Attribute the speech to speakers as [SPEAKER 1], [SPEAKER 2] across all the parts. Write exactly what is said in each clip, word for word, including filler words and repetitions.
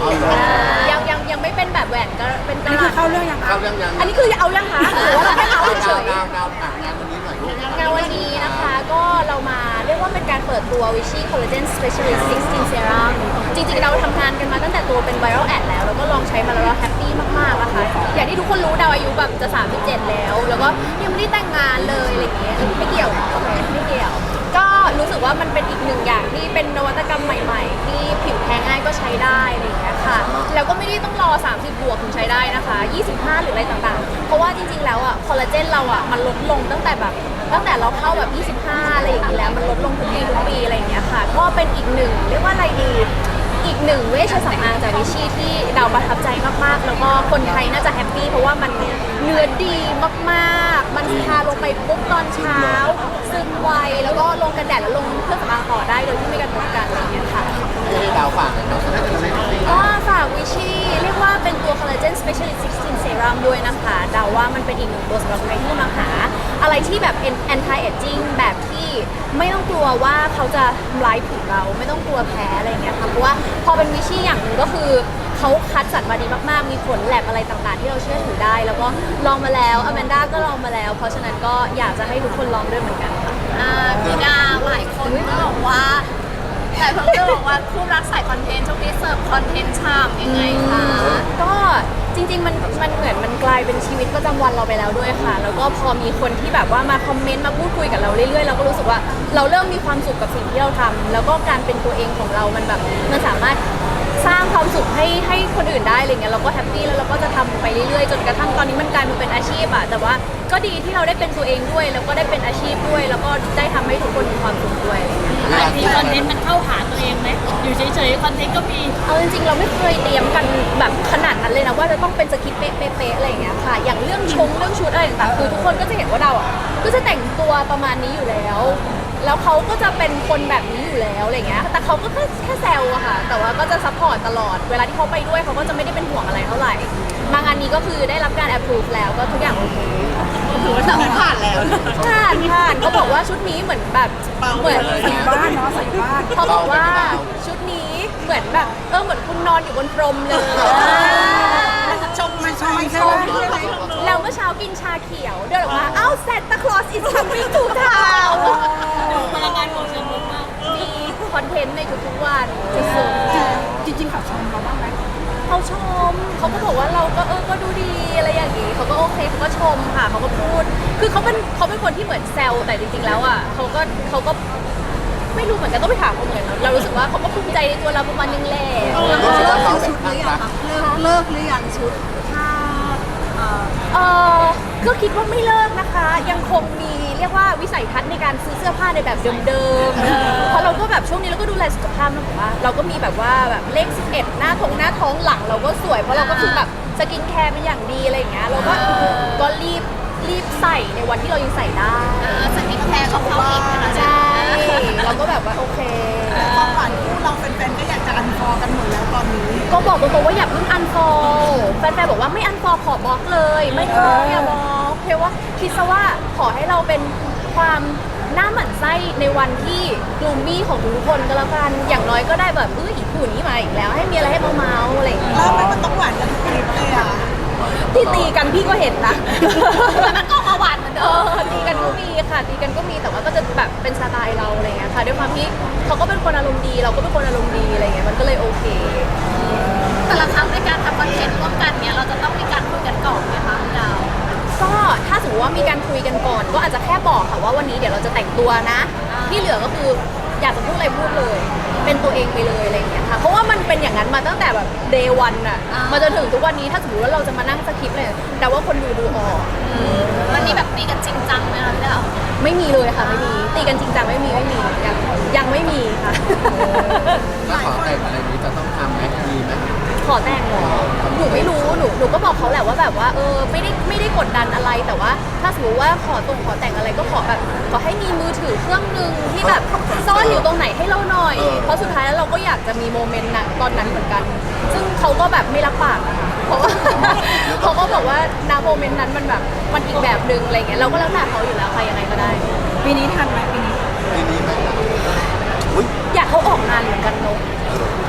[SPEAKER 1] ยังยังยังไม่เป็นแบบแหวนก็เป็นก
[SPEAKER 2] อัน
[SPEAKER 1] ระ
[SPEAKER 2] นี้
[SPEAKER 1] ดาษ
[SPEAKER 2] คือเข้าเรื่องยัง
[SPEAKER 3] เข้าเรื่องยัง
[SPEAKER 1] อันนี้คือเอายังคะหรือว่าเราแค่เอาเฉย
[SPEAKER 3] ดาวดาวอ่างานวันนี้หน่อยลูก
[SPEAKER 1] งานวันนี้นะคะก็เรามาเรียกว่าเป็นการเปิดตัว Vichy Collagen Specialist สิบหก Serum จริงๆเราทำงานกันมาตั้งแต่ตัวเป็น Viral Ad แล้วแล้วก็ลองใช้มาแล้วเราแฮปปี้มากๆนะคะอย่างที่ทุกคนรู้ดาวอายุแบบจะสามสิบเจ็ดแล้ว แล้วก็ยังไม่ได้แต่งงานเลยอะไรอย่างเงี้ยไม่เกี่ยวไม่เกี่ยว ก็รู้สึกว่ามันเป็นอีกหนึ่งอย่างที่เป็นนวัตกรรมใหม่ๆ ที่ผิวแพ้ง่ายก็ใช้ได้อะไรอย่างเงี้ยค่ะแล้วก็ไม่ได้ต้องรอสามสิบบวกถึงใช้ได้นะคะยี่สิบห้าหรืออะไรต่างๆเพราะว่าจริงๆแล้วอ่ะคอลลาเจนเราอ่ะมันลดลงตั้งแต่แบบตั้งแต่เราเข้าแบบยี่สิบห้าอะไรอย่างงี้แล้วมันลดลงทุกปีทุกปีอะไรอย่างเงี้ยค่ะก็เป็นอีกหนึ่งเรียกว่าอะไรดีอีกหนึ่งเวชสำอางจากวิชีที่เราประทับใจมากๆแล้วก็คนไทยน่าจะแฮปปี้เพราะว่ามันเนื้อดีมากๆมันทาลงไปปุ๊บตอนเช้าซึมไวแล้วก็ลงกันแดดแล้วลงเครื่องสำอางต่อได้โดยที่ไม่กระทบกันอะไรอย่างเงี้ยค่ะ
[SPEAKER 3] ให้ดาวฝากหน่อยเนาะ
[SPEAKER 1] ก็ฝากวิชีเรียกว่าเป็นตัว Collagen Specialist สิบหก Serum ด้วยนะคะเดาว่ามันเป็นอีกหนึ่งตัวสำหรับใครที่กำลังหาอะไรที่แบบ anti aging แบบที่ไม่ต้องกลัวว่าเขาจะทำร้ายผิวเราไม่ต้องกลัวแพ้อะไรอย่างเงี้ยค่ะเพราะว่าพอเป็นวิชีอย่างหนึ่งก็คือเขาคัดสรรมาดีมากๆมีผลแลบอะไรต่างๆที่เราเชื่อถือได้ แล้วก็ลองมาแล้วอแมนด้าก็ลองมาแล้ว เพราะฉะนั้นก็อยากจะให้ทุกคนลองด้วยเหมือนกันค่ะ
[SPEAKER 4] อ่าพี่ดาวหลายคนก็บอกว่าแต่เพิ่งจะบอกว่าคู่รักสายคอนเทนต์ช่วงนี้เสิร์ฟคอนเทนต์ชามยังไงคะ
[SPEAKER 1] ก็จริงๆมันมันเหมือนมันกลายเป็นชีวิตประจำวันเราไปแล้วด้วยค่ะ แล้วก็พอมีคนที่แบบว่ามาคอมเมนต์มาพูดคุยกับเราเรื่อยๆเราก็รู้สึกว่าเราเริ่มมีความสุขกับสิ่งที่เราทำแล้วก็การเป็นตัวเองของเรามันแบบมันสามารถสร้างความสุขให้ให้คนอื่นได้อะไรเงี้ยเราก็แฮปปี้แล้วเราก็จะทำไปเรื่อยๆจนกระทั่งตอนนี้มันกลายมาเป็นอาชีพอะแต่ว่าก็ดีที่เราได้เป็นตัวเองด้วยแล้วก็ได้เป็นอาชีพด้วย แล้วก็ได้ทำให้ทุกคนมีความสุขด้วย
[SPEAKER 4] บางทีคอนเทนต์มันเข้าหาตัวเองไหมอยู่เฉยๆคอนเทนต์ก็มี
[SPEAKER 1] เอาจริงๆเราไม่เคยเตรียมกันแบบขนาดนั้นเลยนะว่าจะต้องเป็นสคริปต์เป๊ะๆอะไรอย่างเงี้ยค่ะอย่างเรื่องชงเรื่องชุดอะไรต่างๆคือทุกคนก็จะเห็นว่าเราอ่ะก็จะแต่งตัวประมาณนี้อยู่แล้ว แล้วเขาก็จะเป็นคนแบบนี้อยู่แล้วอะไรเงี้ยแต่เขาก็แค่แค่แซวอะค่ะแต่ว่าก็จะซัพพอร์ตตลอดเวลาที่เขาไปด้วยเขาก็จะไม่ได้เป็นห่วงอะไรเท่าไหร่มางานนี้ก็คือได้รับการ approve แล้วก็ทุกอย่างโอเค
[SPEAKER 4] ถือว่าผ่านแล้ว
[SPEAKER 1] ผ่านผ่านเขาบอกว่าชุดนี้เหมือนแบบเหมือน
[SPEAKER 2] ใส่บ้านเนาะใส่บ้าน
[SPEAKER 1] เขาบอกว่าชุดนี้เหมือนแบบเออเหมือนคุณนอนอยู่บนพรมเลย
[SPEAKER 4] ชม
[SPEAKER 2] มันชมใช่ไหม
[SPEAKER 1] แล้วเมื่อเช้ากินชาเขียวเดินออกมาเอ้าแซนตาคลอส is coming to town
[SPEAKER 4] พลังงานของเชิงลบมาก
[SPEAKER 1] มีคอนเทนต์ในทุกๆวันสุด
[SPEAKER 2] จริงๆเขาชมเราบ้างไหม
[SPEAKER 1] ๆเขาชมเขาก็บอกว่าเราก็เออก็ดูดีอะไรอย่างงี้เขาก็โอเคเขาก็ชมค่ะเขาก็พูด คือเขาเป็นเขาเป็นคนที่เหมือนแซวแต่จริงๆแล้วอ่ะเขาก็เขาก็ไม่รู้เหมือนกันต้องไปถามเขาเหมือนกันเรารู้สึกว่าเขาก็ภูมิใจในตัวเราประมาณนึงแหละ
[SPEAKER 3] รู้สึกว่าเขาแบบข้างรัก
[SPEAKER 4] เลิกเลิกหรือยังชุดถ้าเอ่อ
[SPEAKER 1] เออก็คิดว่าไม่เลิกนะคะ ยังคงมีเรียกว่าวิสัยทัศน์ในการซื้อเสื้อผ้าในแบบเดิมๆเพราะเราก็แบบช่วงนี้เราก็ดูแลสุขภาพนะผมว่าเราก็มีแบบว่าแบบเลขสิบเอ็ดหน้าท้องหน้าท้องหลังเราก็สวยเพราะเราก็คือแบบสกินแคร์เป็นอย่างดีอะไรอย่างเงี้ยเราก็ก็รีบรีบใส่ในวันที่เรายังใส่ได้
[SPEAKER 4] เออสกินแคร์ของเขาอีกนะ
[SPEAKER 1] ใช่เราก็แบบว่าโอเค
[SPEAKER 2] ความฝันคู่เราแฟนๆก็อยากจะอันฟอร์กันหมดแล้วตอนนี้
[SPEAKER 1] ก็บอกตรงๆว่าอย่าเพิ่งอันฟอลแฟนๆบอกว่าไม่อันฟอลขอบล็อกเลยไม่ขออย่าบล็อกเพราะว่าคิดซะว่าขอให้เราเป็นความหน้าหมั่นไส้ในวันที่กลูมมี่ของทุกคนก็แล้วกันอย่างน้อยก็ได้แบบเอออีกผู้นี้มาอีกแล้วให้มีอะไรให้เมาๆอะไรอย่างเงี้ย
[SPEAKER 2] แล้วมันต้องหวานกันทุกคลิปเลยอ่ะ
[SPEAKER 1] ที่ตีกันพี่ก็เห็นนะ
[SPEAKER 4] แต่มันก็มาหวานเหมือน
[SPEAKER 1] เอ
[SPEAKER 4] เดิม
[SPEAKER 1] อตีกันก็มีค่ะตีกันก็มีแต่ว่าก็จะแบบเป็นสไตล์เราอะไรเงี้ยค่ะด้วยความที่เขาก็เป็นคนอารมณ์ดีเราก็เป็นคนอารมณ์ดีอะไรเงี้ยมันก็เลยโอเค
[SPEAKER 4] แต่ละครั้งในการทำคอนเทนต์ร่วมกันเนี้ยเราจะต้องมีการคุยกันก่อนไหมคะพี่ดาว
[SPEAKER 1] ก็ถ้าสมมติว่ามีการคุยกันก่อน ก็อาจจะแค่บอกค่ะว่าวันนี้เดี๋ยวเราจะแต่งตัวนะ ที่เหลือก็คืออยากจะพูดอะไรพูดเลย เป็นตัวเองไปเลยอะไรอย่างเงี้ยค่ะเพราะว่ามันเป็นอย่างนั้นมาตั้งแต่แบบ day one อะมาจนถึงทุกวันนี้ถ้าสมมติว่าเราจะมานั่งสคริปต์เลยแต่ว่าคนดูดูออก
[SPEAKER 4] วันนี้แบบตีกันจริงจังไหมคะพี่ดาว
[SPEAKER 1] ไม่มีเลยค่ะไม่มีตีกันจริงจังไม่มีไม่มียังยังไม่มีค่ะ
[SPEAKER 3] แล้วขอแต่งอะไรนี้จะต้องทำไหมมีไหม
[SPEAKER 1] ขอแต่งเหรอหนูไม่รู้หนูหนูก็บอกเขาแหละว่าแบบว่าเออไม่ได้ไม่ได้กดดันอะไรแต่ว่า ถ้าสมมติว่าขอตรงขอแต่งอะไรก็ขอแบบขอให้มีมือถือเครื่องหนึ่งที่แบบซ่อนอยู่ตรงไหนให้เราหน่อย เพราะสุดท้ายแล้วเราก็อยากจะมีโมเมนต์นั้นตอนนั้นเหมือนกัน ซึ่งเขาก็แบบไม่รับปากนะคะเพราะว่า เขาก็บอกว่าณโมเมนต์นั้นมันแบบมันอีกแบบหนึ่งอะไรเงี้ยเราก็แล้วแต่เขาอยู่แล้วใครยังไงก็ได้
[SPEAKER 2] ปีนี้ทันไหมปีนี้
[SPEAKER 3] ทีนี้ไหมอุ้ย
[SPEAKER 1] อยากเขาออกงานเหมือนกันเนอะ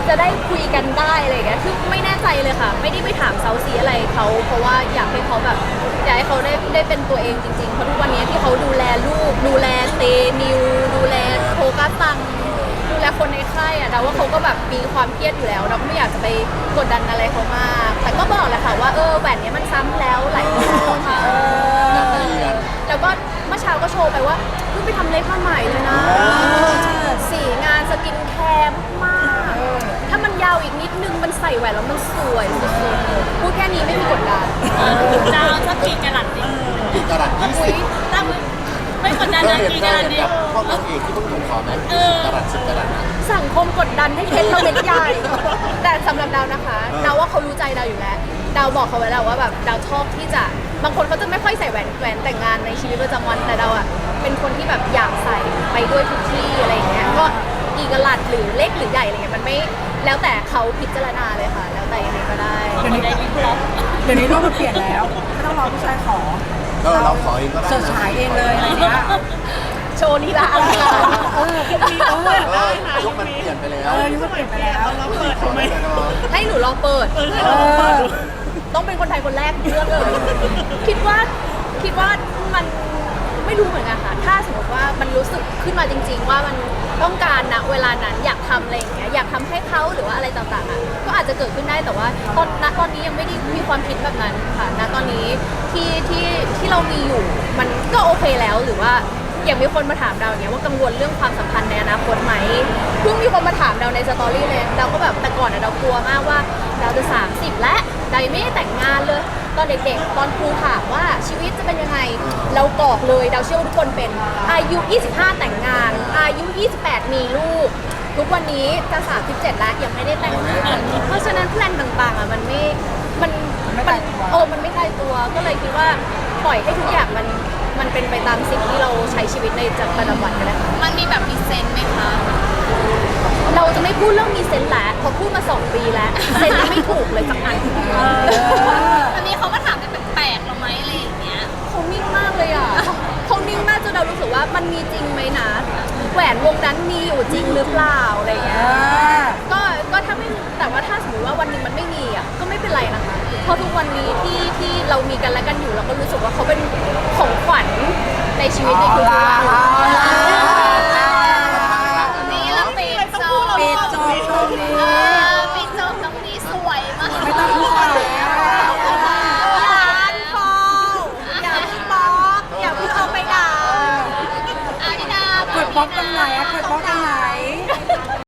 [SPEAKER 1] จะได้คุยกันได้อะไรอย่างเงี้ยคือไม่แน่ใจเลยค่ะ ไม่ได้ไปถามเซาซีอะไรเขาเพราะว่าอยากให้เขาแบบอยากให้เขาได้ได้เป็นตัวเองจริงๆเพราะทุกวันนี้ที่เขาดูแลลูกดูแลเตนิวดูแลโฟกัสตังดูแลคนในค่ายอะเราว่าเขาก็แบบมีความเครียดอยู่แล้ว เราก็ไม่อยากจะไปกดดันอะไรเขามาก แต่ก็บอกแหละค่ะว่าเออแหวนเนี้ยมันซ้ำแล้วหลายปีแล้วค่ะ
[SPEAKER 3] อยากไปเรียน
[SPEAKER 1] แล้วก็เมื่อเช้าก็โชว์ไปว่าเพิ่งไปทำเล็บมาใหม่เลยนะสีงานสกินแคร์มากๆถ้ามันยาวอีกนิดนึงมันใส่แหวนแล้วมันสวยสุดๆพูดแค่นี้ไม่มีกดดัน
[SPEAKER 4] จะเอาสักกี่กะรัตดิ
[SPEAKER 3] กี่กะรัตยี่
[SPEAKER 1] อุ้
[SPEAKER 3] สิ
[SPEAKER 1] ย
[SPEAKER 3] บ
[SPEAKER 4] ถ้าไม่กดดัน
[SPEAKER 3] ก็
[SPEAKER 4] นะ
[SPEAKER 3] เห็น
[SPEAKER 4] กี่
[SPEAKER 3] ก็
[SPEAKER 4] กะรัต
[SPEAKER 3] เห็น
[SPEAKER 4] ดิ
[SPEAKER 3] กับพวกนางเอกที่เพิ่งถูกขอไหมยี่สิบกะรัตสิบกะรัต
[SPEAKER 1] สังคมกดดันให้เพชรเราเม็ดใหญ่ แต่สำหรับดาวนะคะดาวว่าเขารู้ใจดาวอยู่แล้วดาวบอกเขาไว้แล้วว่าแบบดาวชอบที่จะบางคนเขาจะไม่ค่อยใส่แหวนแหวนแต่งงานในชีวิตประจำวันแต่ดาวอ่ะเป็นคนที่แบบอยากใส่ไปด้วยทุกที่อะไรอย่างเงี้ยก็อีกกะลัดหรือเล็กหรือใหญ่อะไรเงี้ยมันไม่แล้วแต่เขาพิจารณาเลยค่ะ แล้วแต่ยังไงก็ได้
[SPEAKER 2] เดี๋ยวนี้เดี๋ยวนี้โลกมันเปลี่ยนแล้วไม่ต้องรอผู้ชายขอ
[SPEAKER 3] ก็เราขอเองก็ได้
[SPEAKER 2] เสิร์ช
[SPEAKER 3] นะ
[SPEAKER 2] ฉายเองเลยอะไรเงี้ย
[SPEAKER 1] โชว์ลีลาอลังการ
[SPEAKER 2] เออยุคนี้เออ
[SPEAKER 3] เออยุคมันเปลี่ยนไปแล้ว
[SPEAKER 2] เออยุคมันเปลี่ยนไปแล้ว
[SPEAKER 3] เปิดทำไม
[SPEAKER 1] ให้หนูลองเปิด
[SPEAKER 2] เออ
[SPEAKER 1] ต้องเป็นคนไทยคนแรกเลือกเลย คิดว่าคิดว่ามันไม่รู้เหมือนกันค่ะ ถ้าสมมติว่ามันรู้สึกขึ้นมาจริง ๆ ว่ามันต้องการนะเวลานั้นอยากทำอะไรอย่างเงี้ยอยากทำให้เขาหรือว่าอะไรต่างๆอ่ะก็อาจจะเกิดขึ้นได้แต่ว่าตอนณตอนนี้ยังไม่ได้มีความคิดแบบนั้นค่ะณตอนนี้ที่ที่ที่เรามีอยู่มันก็โอเคแล้วหรือว่าอย่างมีคนมาถามเราอย่างเงี้ยว่ากังวลเรื่องความสัมพันธ์ในอนาคตไหมเพิ่งมีคนมาถามเราในสตอรี่เลยเราก็แบบแต่ก่อนอะเรากลัวมากว่าเราจะสามสิบแล้วเรายังไม่ได้แต่งงานเลย ตอนเด็กๆ ตอนครูถามว่าชีวิตจะเป็นยังไง เรากรอกเลยเราเชื่อว่าทุกคนเป็นอายุ ยี่สิบห้า แต่งงาน อายุ ยี่สิบแปด มีลูก ทุกวันนี้จะสามสิบเจ็ดแล้วยังไม่ได้แต่งงาน เพราะฉะนั้นแพลนต่างๆอ่ะมันไม่ มัน มันเออมันไม่ตายตัว ก็เลยคิดว่าปล่อยให้ทุกอย่างมัน มันเป็นไปตามสิ่งที่เราใช้ชีวิตในประจำวันกันเลยค่ะ
[SPEAKER 4] มันมีแบบมีเซนส์ไหมคะ
[SPEAKER 1] เราจะไม่พูดเรื่องมีเซนส์แล้วเพอพูดมาสองปีแล้ว เซนส์ยังไม่ถูกเลยสักอัน
[SPEAKER 4] วันนี้เขามาถามเป็นแปลกๆเราไหมอะไรอย่างเงี้ย
[SPEAKER 1] เขานิ่งมากเลยอ่ะ เขานิ่งมากจนเรารู้สึกว่ามันมีจริงไหมนะ แหวนวงนั้นมีอยู่จริงหรือเปล่าอะไรเงี้ย ก็ก็ถ้าไม่แต่ว่าถ้าสมมติว่าวันหนึ่งมันไม่มีอ่ะก็ไม่เป็นไรนะคะ เพราะทุกวันนี้ที่ที่เรามีกันและกันอยู่เราก็รู้สึกว่าเขาเป็นของขวัญในชีวิตในทุกๆวัน